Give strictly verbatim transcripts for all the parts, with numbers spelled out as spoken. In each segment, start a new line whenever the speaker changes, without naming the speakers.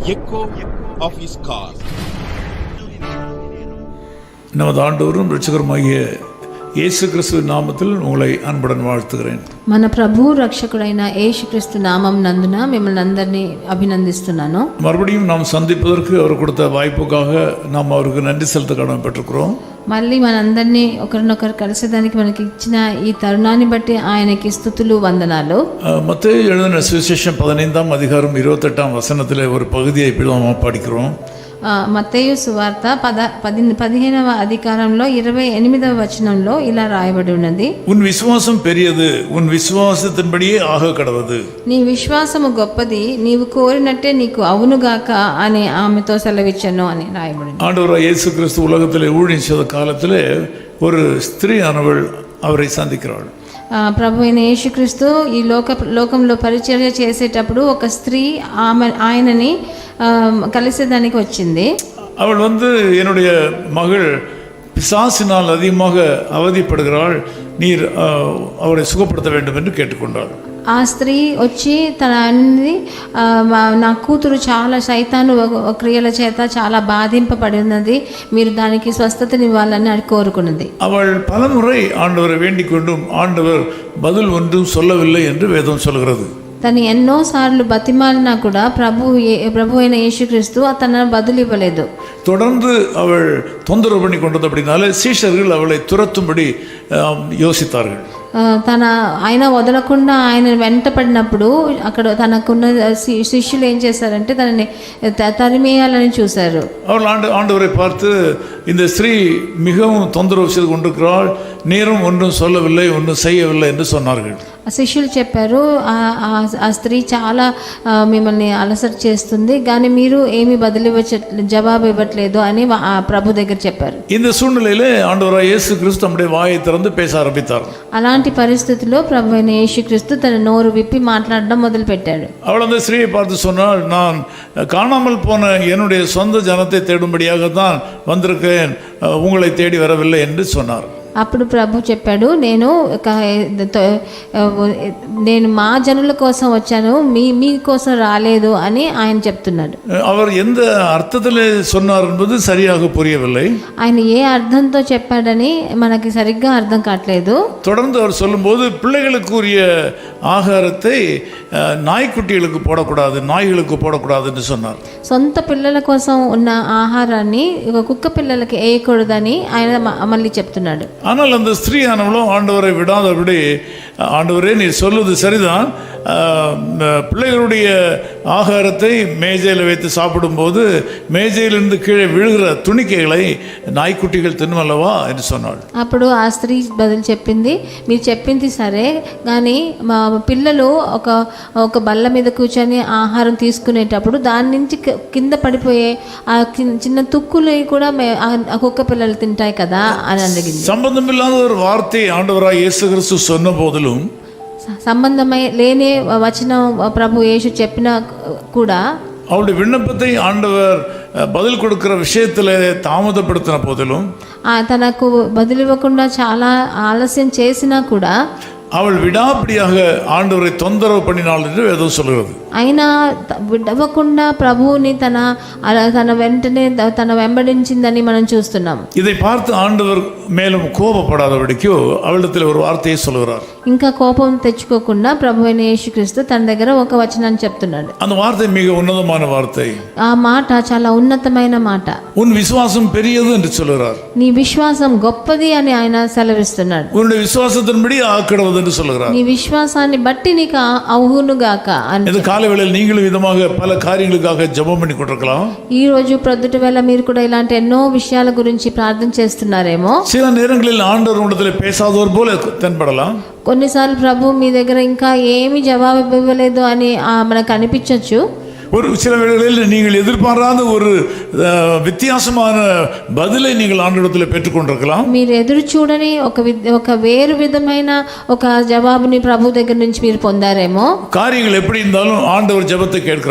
echo of his call.
நமது ஆண்டவரும் இரட்சகருமாகிய இயேசு கிறிஸ்துவின் நாமத்தில் உங்களை அன்புடன் வாழ்த்துகிறேன்.
మన ప్రభు రక్షకుడైన యేసుక్రీస్తు నామం నందున మిమ్మల్ని అందరినీ అభినందిస్తున్నాను.
மறுபடியும் நாம் சந்திப்பதற்கு அவர் கொடுத்த வாய்ப்புக்காக நாம் அவருக்கு நன்றி செலுத்த கடமைப்பட்டிருக்கிறோம்.
మళ్ళీ మనందరినీ ఒకరినొకరు కలిసేదానికి మనకి ఇచ్చిన ఈ తరుణాన్ని బట్టి ఆయనకి స్తుతులు వందనాలు.
மத்தேயு எழுதின சுவிசேஷம் பதினைந்தாம் அதிகாரம் இருபத்தெட்டாம் வசனத்திலே ஒரு பகுதியை இப்படி நாம் படிக்கிறோம்.
మత్తయి సువార్త పద పది పదిహేనవ అధికారంలో ఇరవై ఎనిమిదవ వచనంలో ఇలా రాయబడి ఉన్నది.
ఉన్ విశ్వాసం పెరియదు, ఉన్ విశ్వాసத்தின்படியே ఆగ కడవదు.
నీ విశ్వాసము గొప్పది, నీవు కోరినట్టే నీకు అవునుగాక అని ఆమెతో సెలవిచ్చను అని రాయబడి.
ஆண்டவராகிய இயேசு கிறிஸ்து உலகத்திலே ஊழியம் செய்த காலத்திலே ஒரு ஸ்திரீ ஆனவள் அவரை சந்திக்கிறாள்.
ప్రభు అయిన యేసుక్రీస్తు ఈ లోక లోకంలో పరిచర్య చేసేటప్పుడు ఒక స్త్రీ ఆమె ఆయనని కలిసేదానికి వచ్చింది.
அவள் வந்து என்னுடைய மகள் பிசாசினால் அதிகமாக அவதிப்படுகிறாள், நீர் அவரை சுகப்படுத்த வேண்டும் என்று கேட்டுக்கொண்டாள்.
ఆ స్త్రీ వచ్చి తన అన్ని నా కూతురు చాలా సైతాను క్రియల చేత చాలా బాధింపబడి ఉన్నది, మీరు దానికి స్వస్థతనివ్వాలని అది కోరుకున్నది.
அவள் பலமுறை ஆண்டவரை வேண்டிக் கொண்டும் ஆண்டவர் பதில் ஒன்றும் சொல்லவில்லை என்று வேதம் சொல்கிறது.
తను ఎన్నో సార్లు బతిమాలినా కూడా ప్రభు ప్రభు అయిన యేసుక్రీస్తు తన బదులు ఇవ్వలేదు.
தொடர்ந்து அவள் தொந்தரவு பண்ணி கொண்டது அப்படினாலே சீஷர்கள் அவளை துரத்தும்படி யோசித்தார்கள்.
తన ఆయన వదలకుండా ఆయన వెంట పడినప్పుడు అక్కడ తనకున్న శిష్యులు ఏం చేశారంటే తనని తరిమేయాలని చూశారు.
அவள் ஆண்டு ஆண்டவரை பார்த்து, இந்த ஸ்திரீ மிகவும் தொந்தரவு செய்து கொண்டிருக்கிறாள், நீரும் ஒன்றும் சொல்லவில்லை, ஒன்றும் செய்யவில்லை என்று சொன்னார்கள்.
శిష్యులు చెప్పారు, ఆ స్త్రీ చాలా మిమ్మల్ని అలసట చేస్తుంది, కానీ మీరు ఏమి బదిలివ్వచ్చ జవాబు ఇవ్వట్లేదు అని ప్రభు దగ్గర చెప్పారు.
இந்த சூழ்நிலையிலே ஆண்டவராகிய இயேசு கிறிஸ்து நம்முடைய வாயை திறந்து பேச ஆரம்பித்தார்.
అలాంటి పరిస్థితిలో ప్రభు అయిన యేసుక్రీస్తు తన నోరు విప్పి మాట్లాడడం మొదలు పెట్టాడు.
அவள் அந்த ஸ்திரீயை பார்த்து சொன்னாள், நான் காணாமல் போன என்னுடைய சொந்த ஜனத்தை தேடும்படியாகத்தான் வந்திருக்கேன், உங்களை தேடி வரவில்லை என்று சொன்னார்.
అప్పుడు ప్రభు చెప్పాడు, నేను నేను మా జనుల కోసం వచ్చాను, మీ మీ కోసం రాలేదు అని ఆయన చెప్తున్నాడు.
அவர் எந்த అర్థத்திலே சொன்னார் என்பது சரியாக புரியவில்லை.
ఆయన ఏ అర్థంతో చెప్పాడని మనకి సరిగ్గా అర్థం కావట్లేదు.
தொடர்ந்து அவர் சொல்லும்போது, பிள்ளைகளுக்குரிய ஆகாரத்தை நாய்க்குட்டிகளுக்கு போடக்கூடாது, நாய்களுக்கு போடக்கூடாது என்று சொன்னார்.
సొంత పిల్లల కోసం ఉన్న ఆహారాన్ని కుక్క పిల్లలకి వేయకూడదని ఆయన మళ్ళీ చెప్తున్నాడు.
ஆனால் அந்த ஸ்திரீயானவளும் ஆண்டவரை விடாதபடி, ஆண்டவரே நீர் சொல்வது சரிதான், பிள்ளைகளுடைய ஆகாரத்தை மேஜையில் வைத்து சாப்பிடும்போது மேஜையிலிருந்து கீழே விழுகிற துணிக்கைகளை நாய்க்குட்டிகள் తినమల్లవా என்று சொன்னாள்.
అప్పుడు ఆ స్త్రీ బదులు చెప్పింది, మీరు చెప్పింది సరే, కానీ మా పిల్లలు ఒక ఒక బల్ల మీద కూర్చొని ఆహారం తీసుకునేటప్పుడు దాని నుంచి కింద పడిపోయే ఆ చిన్న తుక్కులు కూడా ఆ కుక్క పిల్లలు తింటాయి కదా అని అడిగింది.
సంబంధమిல்லாத ஒரு வார்த்தை ஆண்டவராகிய இயேசு கிறிஸ்து சொன்ன போதிலும்,
సంబంధమై లేని వచనం ప్రభు యేసు చెప్పినా కూడా
அவருடைய விண்ணப்பத்தை ஆண்டவர் பதில் கொடுக்கிற விஷயத்தில் தாமதப்படுத்தின போதிலும்,
తనకు బదులివ్వకుండా చాలా ఆలస్యం చేసినా కూడా
அவள் விடாப்பிடியாக ஆண்டவரை தொந்தரவு பண்ணினாள் என்று வேதம் சொல்கிறது.
అయినా విడవకుండా ప్రభువుని తన తన వెంటనే తన వెంబడించిందని మనం చూస్తున్నాం.
இதை பார்த்து ஆண்டவர் மேலும் கோபப்படாதபடிக்கு அவளிடத்தில் ஒரு வார்த்தையை சொல்கிறார்.
ఇంకా కోపం తెచ్చుకోకుండా ప్రభు అయిన యేసుక్రీస్తు తన దగ్గర ఒక వచనాన్ని చెప్తున్నాడు.
அந்த வார்த்தை மிக உன்னதமான வார்த்தை.
ఆ మాట చాలా ఉన్నతమైన మాట.
உன் விசுவாசம் பெரியது என்று சொல்கிறார்.
నీ విశ్వాసం గొప్పది అని ఆయన సెలవిస్తున్నాడు.
உன்னுடைய விசுவாசத்தின்படி ஆக்கடவது என்று சொல்கிறார்.
నీ విశ్వాసాన్ని బట్టి నీకు అవునుగాక అని.
இந்த காலை வேளையில் நீங்களும் விதமாக பல காரியங்களுக்காக ஜெபம் பண்ணி கொண்டிருக்கலாம்.
ఈ రోజు ప్రొద్దుట వేళ మీరు కూడా ఇలాంటి ఎన్నో విషయాల గురించి ప్రార్థన చేస్తున్నారేమో.
சில நேரங்களில் ஆண்டவர் உங்களிடத்தில் பேசாதவர் போல தென்படலாம்.
కొన్నిసార్లు ప్రభు మీ దగ్గర ఇంకా ఏమి జవాబు ఇవ్వలేదు అని మనకు అనిపించవచ్చు.
ஒரு சில வேளைகளில் நீங்கள் எதிர்பாராத ஒரு வித்தியாசமான பதிலை நீங்கள் ஆண்டவரிடத்தில் பெற்றுக்கொண்டிருக்கலாம்.
మీరు ఎదురు చూడని ఒక ఒక వేరు విధమైన ఒక జవాబుని ప్రభు దగ్గర నుంచి మీరు పొందారేమో.
காரியங்கள் எப்படி இருந்தாலும் ஆண்டவர் ஜெபத்தை கேட்கிறவர்.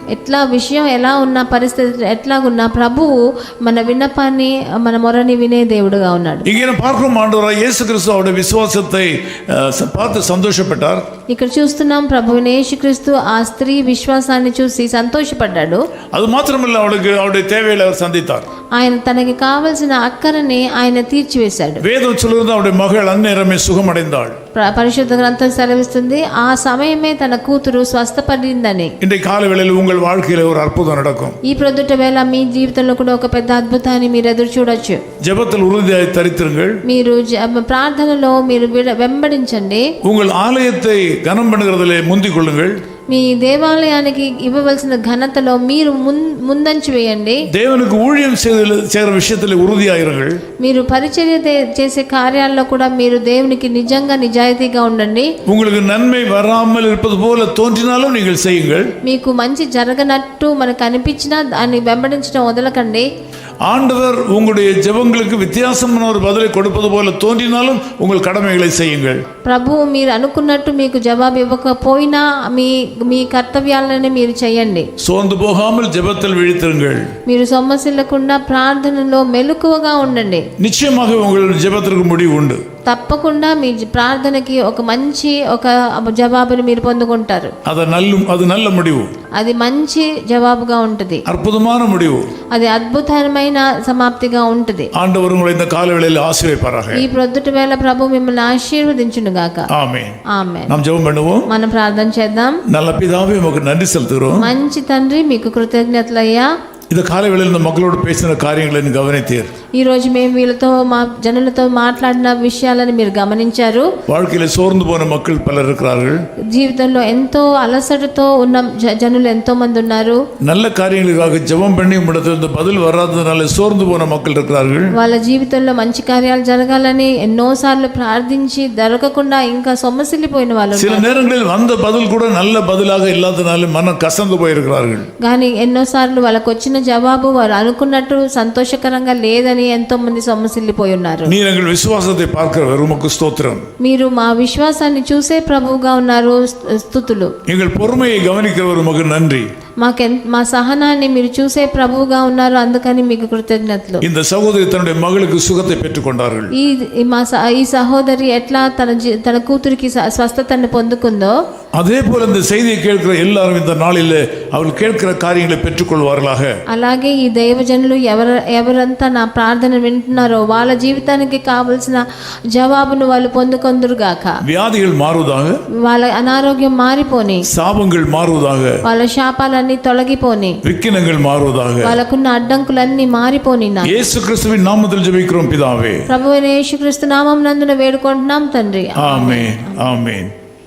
ఎట్లా విషయం ఎలా ఉన్న పరిస్థితి ఎట్లాగున్నా ప్రభువు మన విన్నపాన్ని మన మొరని వినే దేవుడుగా ఉన్నాడు.
இங்கே நாம் பார்க்கும் ஆண்டவராய் இயேசு கிறிஸ்து அவருடைய விசுவாசத்தை அஹ், பார்த்து சந்தோஷப்பட்டார்.
ఇక్కడ చూస్తున్నాం ప్రభువుని యేసుక్రీస్తు ఆ స్త్రీ విశ్వాసాన్ని చూసి సంతోషపడ్డాడు.
அது மாத்திரமல்ல, அவளுக்கு அவருடைய தேவைகளை அவர் சந்தித்தார்.
ఆయన తనకి కావలసిన అక్కరని ఆయన తీర్చివేశాడు.
வேதம் சொல்கிறது அவருடைய மகள் அந்நேரமே சுகமடைந்தாள்.
ప్ర- పరిశుద్ధ గ్రంథం సెలవిస్తుంది ఆ సమయమే తన కూతురు స్వస్థపడిందని.
இன்றைக்கு காலை வேளையில் உங்கள் வாழ்க்கையில ஒரு அற்புதம் நடக்கும்.
ఈ ప్రొద్దుట వేళ మీ జీవితంలో కూడా ఒక పెద్ద అద్భుతాన్ని మీరు ఎదురు చూడొచ్చు.
ஜெபத்தில் உறுதியாய் தரித்திருங்கள்.
మీరు జ- ప్రార్థనలో మీరు విడ- వెంబడించండి.
உங்கள் ஆலயத்தை கனம் பண்ணுகிறதிலே முந்திக் கொள்ளுங்கள்.
మీ దేవాలయానికి ఇవ్వవలసిన ఘనతలో మీరు ముం- ముందంచి వేయండి.
தேவனுக்கு ஊழியம் செய்து செய்கிற விஷயத்தில் உறுதியாயிருங்கள்.
మీరు పరిచర్య దే- చేసే కార్యాల్లో కూడా మీరు దేవునికి నిజంగా నిజాయితీగా ఉండండి.
உங்களுக்கு நன்மை வராமல் இருப்பது போல தோன்றினாலும் நீங்கள் செய்யுங்கள்.
మీకు మంచి జరగనట్టు మనకు అనిపించినా దాన్ని వెంబడించడం వదలకండి.
ஆண்டவர் உங்களுடைய ஜெபங்களுக்கு வித்தியாசமான ஒரு பதிலை கொடுப்பது போல தோன்றினாலும் உங்கள் கடமைகளை செய்யுங்கள்.
ప్రభువు మీరు అనుకున్నట్టు మీకు జవాబు ఇవ్వకపోయినా మీ మీ కర్తవ్యాలను మీరు చేయండి.
சோர்ந்து போகாமல் ஜெபத்தில் விழித்திருங்கள்.
మీరు సొమ్మసిల్లకుండా ప్రార్థనలో మెలకువగా ఉండండి.
நிச்சயமாக உங்கள் ஜெபத்திற்கு முடிவு உண்டு.
తప్పకుండా మీ జ- ప్రార్థనకి ఒక మంచి ఒక జవాబుని మీరు పొందుకుంటారు.
அது நல்ல அது நல்ல முடிவு,
అది మంచి జవాబుగా ఉంటుంది.
அற்புதமான முடிவு.
అది అద్భుతమైన సమాప్తిగా ఉంటుంది.
ஆண்டவர் உங்களை இந்த காலவேளையில் ஆசீர்வதிப்பாராக.
ఈ ప్రొద్దుటి వేళ ప్రభు మిమ్మల్ని ఆశీర్వదించును గాక.
ஆமென்.
ఆమేన్.
நாம் ஜெபம் பண்ணுவோம்.
మనం ప్రార్థన చేద్దాం.
நல்ல பிதாவே, உமக்கு நன்றி செலுத்துகிறோம்.
మంచి తండ్రి మీకు కృతజ్ఞతలయ్యా.
இந்த காலவேளையில் இந்த மக்களோடு பேசின காரியங்களை நீ கவனித்தீர்.
ఈ రోజు మేము వీళ్ళతో మా జనులతో మాట్లాడిన విషయాలను మీరు గమనించారు.
வாழ்க்கையில சோர்ந்து போன மக்கள் பலர் இருக்கிறார்கள்.
జీవితంలో ఎంతో అలసటతో ఉన్న జ- జనులు ఎంతో మంది ఉన్నారు.
நல்ல காரியங்களுக்காக ஜெபம் பண்ணி உம்மிடத்திலிருந்து பதில் வராததுனால சோர்ந்து போன மக்கள் இருக்கிறார்கள்.
వాళ్ళ జీవితంలో మంచి కార్యాలు జరగాలని ఎన్నోసార్లు ప్రార్థించి దొరకకుండా ఇంకా సొమ్మసిల్లిపోయిన వాళ్ళు
சில நேரங்களில் வந்த பதில் கூட நல்ல பதிலாக இல்லாதனால மனம் கசந்து போயிருக்கிறார்கள்.
కానీ ఎన్నోసార్లు వాళ్ళకు వచ్చిన జవాబు వారు అనుకున్నట్టు సంతోషకరంగా లేదని ఎంతో మంది సొమ్మసిల్లిపోయి ఉన్నారు.
நீர் எங்கள் விசுவாசத்தை பார்க்கிறவர், உமக்கு ஸ்தோத்திரம்.
మీరు మా విశ్వాసాన్ని చూసే ప్రభువుగా ఉన్నారు. స్తుతులు.
எங்கள் பொறுமையை கவனிக்கிறவர், உமக்கு நன்றி.
మాకెన్ మా సహనాన్ని మీరు చూసే ప్రభువుగా ఉన్నారు, అందుకని మీకు కృతజ్ఞతలు.
இந்த சகோதரி தன்னுடைய மகளுக்கு சுகத்தை பெற்றுக்கொண்டார்கள்.
ఈ ఈ మా స- ఈ సహోదరి ఎట్లా తన జీ- తన కూతురికి స- స్వస్థతను పొందుకుందో
அதே போல இந்த செய்தியை கேட்கிற எல்லாரும் இந்த நாளில் அவர்கள் கேட்கிற காரியங்களை பெற்றுக்கொள்வார்களாக.
అలాగే ఈ దైవజనులు ఎవర ఎవరంతా నా ప్రార్థన వింటున్నారో వాళ్ళ జీవితానికి కావలసిన జవాబును వాళ్ళు పొందుకొందురుగాక.
வியாதிகள் மாறுவதாக,
వాళ్ళ అనారోగ్యం మారిపోని,
சாபங்கள் மாறுவதாக,
వాళ్ళ శాపాలన్నీ తొలగిపోని,
விக்கினங்கள் மாறுவதாக.
వాళ్ళకున్న అడ్డంకులన్నీ మారిపోని. నా
இயேசு கிறிஸ்துவின் நாமத்தில் ஜெபிக்கிறோம் பிதாவே.
ప్రభువైన యేసుక్రీస్తు నామం నందున వేడుకుంటున్నాం తండ్రి.
ஆமென், ஆமென்.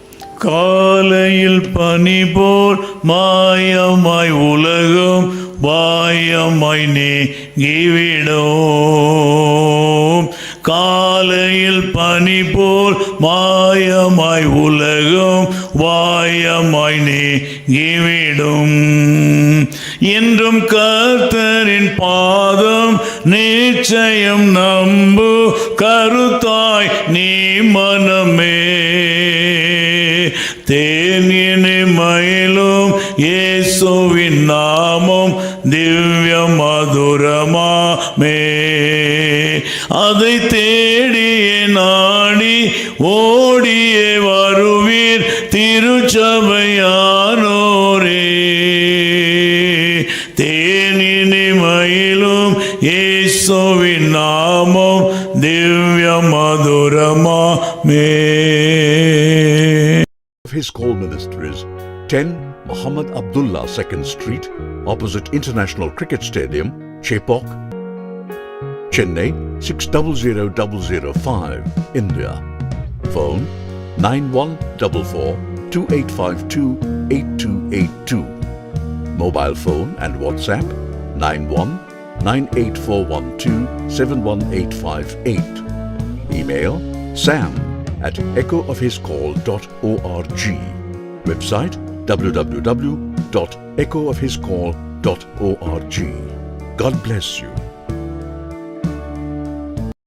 காலையில் பனி போல் மாயமாய் உலகம் வாயமாய் நீங்கிவிடும். காலையில் பனி போல் மாயமாய் உலகம் வாயமாய் நீங்கிவிடும். என்றும் கர்த்தரின் பாதம் நிச்சயம் நம்பு கருத்தாய் நீ மனமே. தேனினை மயிலும் இயேசுவின் நாமம் திவ்ய மதுரமாமே. அதை தேடியே நாடி ஓடியே வருவீர் திருச்சபையானோரே. தேனினை மயிலும் இயேசுவின் நாமம் திவ்ய மதுரமாமே.
His Call Ministries, ten Muhammad Abdullah second Street, opposite International Cricket Stadium, Chepauk, Chennai six zero zero zero zero five, India. Phone nine one four four two eight five two eight two eight two. Mobile phone and WhatsApp nine one nine eight four one two seven one eight five eight. Email sam at echo of his call dot org. Website w w w dot echo of his call dot org. God bless you.